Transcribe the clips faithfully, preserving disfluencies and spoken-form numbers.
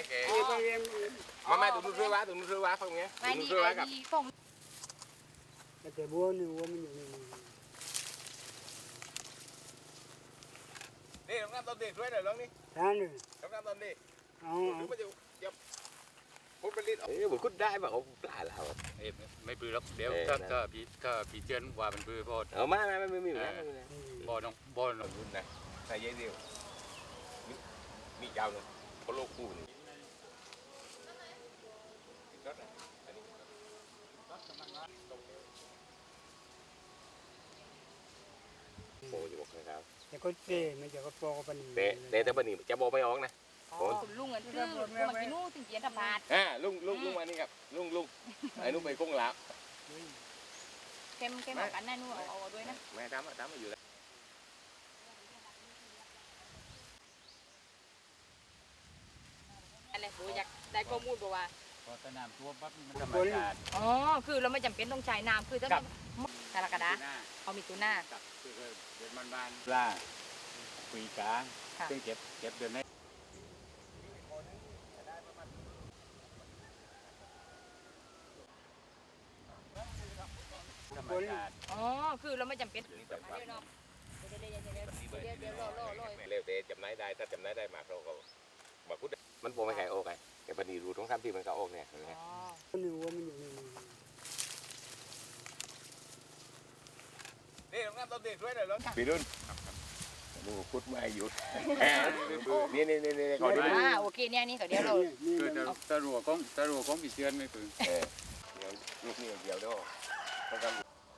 ให้แกมาแม่ตุ้มช่วยว้าตุ้มช่วยว้าฟังเงี้ยตุ้มช่วยว้ากับแต่บัวนี่บัวมันอยู่นี่นี่น้องน้ำต้นเด็กช่วยหน่อยน้องนี่ท่านนี่น้องน้ำต้นเด็กเอาหรือมันจะยับพุดไปลิ้นเอ้ยบุญคุดได้ป่ะเขาปลาเราไม่ปื้อหรอกเดี๋ยวถ้าถ้าพี่ถ้าพี่เจือนว่ามันปื้อพอเอามาไม่ไม่มีนะบ่อน้องบ่อน้องรุ่นนะใส่เยอะเดียวมียาวเลยเขาโลกูนี่โอ้ยบอกเลยครับแต่ก็เตะไม่จะก็ปอกปันนี่เตะเตะแต่บันนี้จะบอกไม่ออกนะลุงอันคือลุงมันกินนู่นถึงเกียนธรรมะอ่าลุงลุงลุงมานี่ครับลุงลุงไอ้นุ่มไปกุ้งลาบเค็มเค็มเหมือนกันนะนู่นเอาด้วยนะแม่ทำอ่ะทำมาอยู่แล้วอะไรโบอยากได้ข้อมูลบอกว่าพอสนามตัวปั๊บมันธรรมชาติอ๋อคือเราไม่จำเป็นต้องใช้น้ำคือถ้าสารกระดาเอามีตัวหน้ากับคือเดือนบานๆปลาคุยกาซึ่งเก็บเก็บเดือนนี้ธรรมชาติอ๋อคือเราไม่จำเป็นเดี๋ยวเนาะเดี๋ยวเดี๋ยวเดี๋ยวเดี๋ยวเดี๋ยวรอรอรอเร็วเตะจำนายได้ถ้าจำนายได้มาเราก็มาพูดมันโปรไม่แข็งโอ้ไงแต่บันนี้รู้ท้องซ้ำที่มันก็โอ้เนี่ยอ๋อนี่บัวมันอยู่นี่นี่น้องน้ำต้นเด็กช่วยหน่อยน้องปีรุ่นดูคุดไม่หยุดนี่นี่นี่นี่ก่อนดิอ่าโอเคเนี่ยนี่เดี๋ยวเราคือตะตะรัวของตะรัวของพี่เจือนไม่ปื้อเออเดี๋ยวลูกนี่เดียวเด้อต้องการ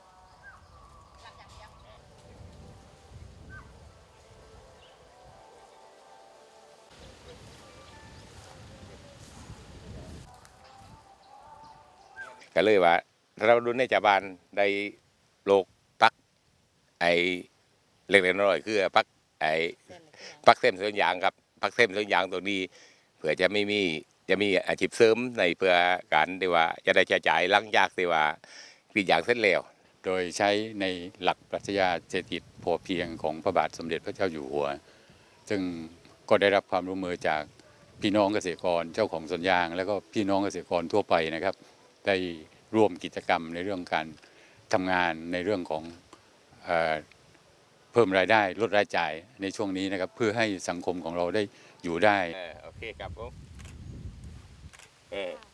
ก็เลยว่าเราดูในจับานได้โลกปักไอเล็กๆน้อยๆคือปักไอปักเส้นส่วนยางครับปักเส้นส่วนยางตัวนี้เผื่อจะไม่มีจะมีอาชีพเสริมในเพื่อการที่ว่าจะได้จ่ายหลังจากที่ว่าปียางเส้นแล้วโดยใช้ในหลักปรัชญาเศรษฐกิจพอเพียงของพระบาทสมเด็จพระเจ้าอยู่หัวซึ่งก็ได้รับความร่วมมือจากพี่น้องเกษตรกรเจ้าของสวนยางแล้วก็พี่น้องเกษตรกรทั่วไปนะครับได้ร่วมกิจกรรมในเรื่องการทำงานในเรื่องของเอ่อเพิ่มรายได้ลดรายจ่ายในช่วงนี้นะครับเพื่อให้สังคมของเราได้อยู่ได้โอเคครับผมเออ